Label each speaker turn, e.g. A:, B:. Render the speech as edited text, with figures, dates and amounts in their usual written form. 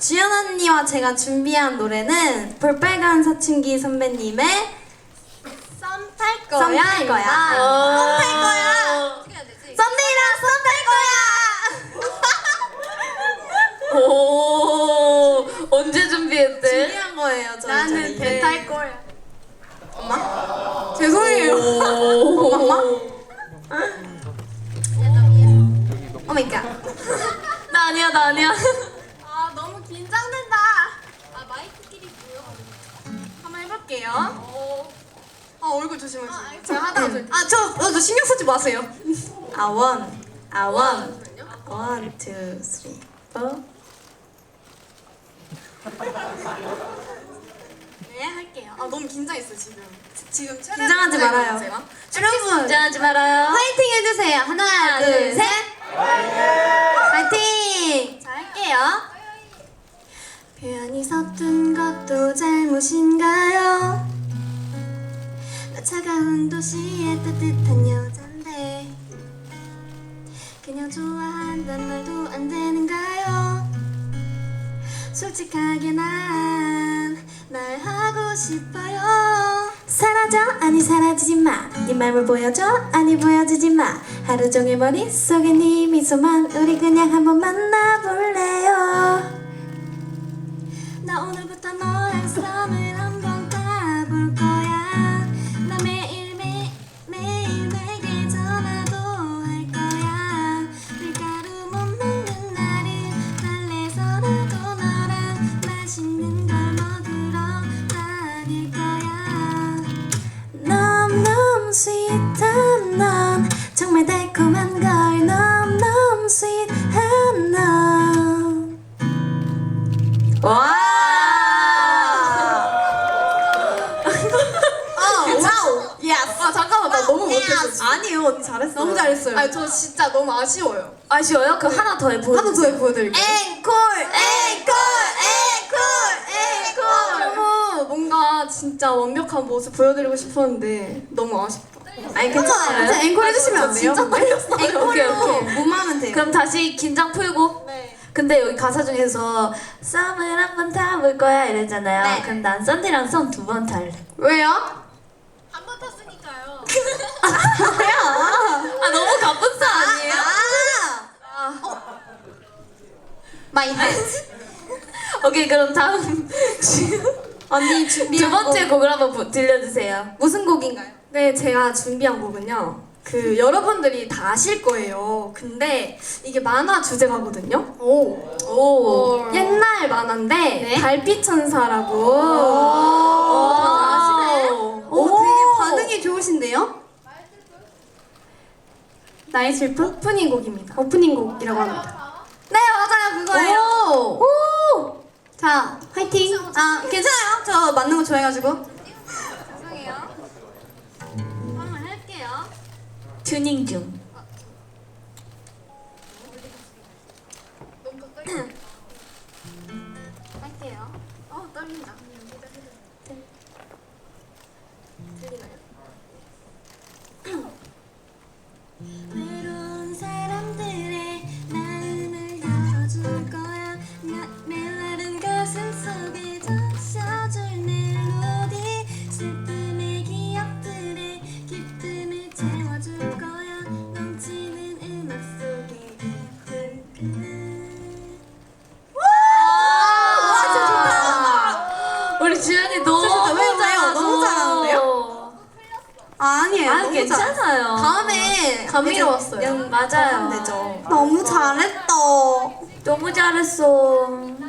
A: 주연 언니와 제가 준비한 노래는 볼빨간 사춘기 선배님의 썸 탈 거야. 썸 탈 거야. 썸 탈 거야. 썸데이랑 썸 탈 거야.
B: 오, 언제 준비했대?
A: 준비한 거예요. 저희
B: 나는 배 탈 거야.
A: 엄마? 죄송해요. 엄마? 오마이갓.
B: 나 아니야, 나 아니야.
A: 아 너무 긴장된다. 아 마이크끼리 뭐야? 한번 해볼게요. 아 얼굴 조심하세요. 제가 하다가 저 신경 쓰지 마세요. 원, 투, 쓰리, 포. 네 할게요. 아 너무 긴장했어 지금 긴장하지 말아요. 제가. 여러분
B: 긴장하지 말아요.
A: 파이팅 해주세요. 하나, 둘, 셋. 파이팅! 자 할게요. 표현이 서툰 것도 잘못인가요? 나 차가운 도시의 따뜻한 여잔데 그냥 좋아한단 말도 안 되는가요? 솔직하게 난 말하고 싶어요. 사라져 아니 사라지지 마. 네 맘을 보여줘 아니 보여주지 마. 하루 종일 머릿속에 네 미소만. 우리 그냥 한번 만나볼래요. 나 오늘부터 너랑 썸을 한번 타볼 거야. 나 매일 내게 전화도 할 거야. 밀가루 못 먹는 날은 달래서라도 너랑 맛있는 걸 먹으러 다닐 거야. 너무 스윗한 넌 정말 달콤한 걸. 너무 스윗한 넌. 와! 와우! 예스! 아 잠깐만 나 너무 못했어 지금. 아니요 언니 잘했어요. 너무 잘했어요. 아니 저 진짜 너무 아쉬워요.
B: 아쉬워요? 그럼 하나 더 해보세요.
A: 하나 더 보여드릴게요. 앵콜! 너무 뭔가 진짜 완벽한 모습 보여드리고 싶었는데 너무 아쉽다. 아니 괜찮아요.
B: 괜찮아요?
A: 앵콜 해주시면 안 돼요? 진짜 떨렸어요.
B: 오케이,
A: 앵콜로
B: 오케이.
A: 몸하면 돼요.
B: 그럼 다시 긴장 풀고.
A: 네.
B: 근데 여기 가사 중에서 썸을 한번 타볼 거야 이랬잖아요.
A: 네.
B: 그럼 난 썬디랑 썸 두 번 탈래.
A: 왜요?
C: 한 번 탔으니까요.
B: 아 너무 갑분싸 아니에요?
A: 마이 헤드.
B: 오케이 그럼 다음
A: 언니 준비한
B: 두 번째
A: 곡
B: 곡을 한번 무슨
A: 무슨 곡인가요? 네, 제가 준비한 곡은요. 그 여러분들이 다 아실 거예요. 근데 이게 만화 주제가거든요.
B: 오.
A: 옛날 만화인데
B: 네?
A: 달빛 천사라고.
B: 다들
A: 아시네.
B: 오.
A: 되게 반응이 좋으신데요? 나의 슬픔? 오프닝 곡입니다. 오프닝 곡이라고 합니다. 네, 맞아요. 그거예요.
B: 오.
A: 자, 화이팅. 아, 괜찮아요. 저 맞는 거 좋아해가지고. 죄송해요. 한번 할게요.
B: 튜닝 중.
C: 너무 가까이.
A: 할게요. 떨린다. 들리나요? 외로운 사람들의 마음을 열어줄 거야. 메마른 가슴 속에 적셔줄 멜로디. 슬픔의 기억들의 기쁨을 채워줄 거야. 넘치는 음악 속에 와, 진짜 좋다.
B: 우리 주연이 너무
A: 진짜 왜요?
B: 잘하죠.
A: 너무 잘하는데요? 아니에요.
B: 아
A: 너무
B: 괜찮아요.
A: 다음에 감미로웠어요.
B: 맞아요.
A: 되죠. 너무 잘했다.
B: 너무 잘했어.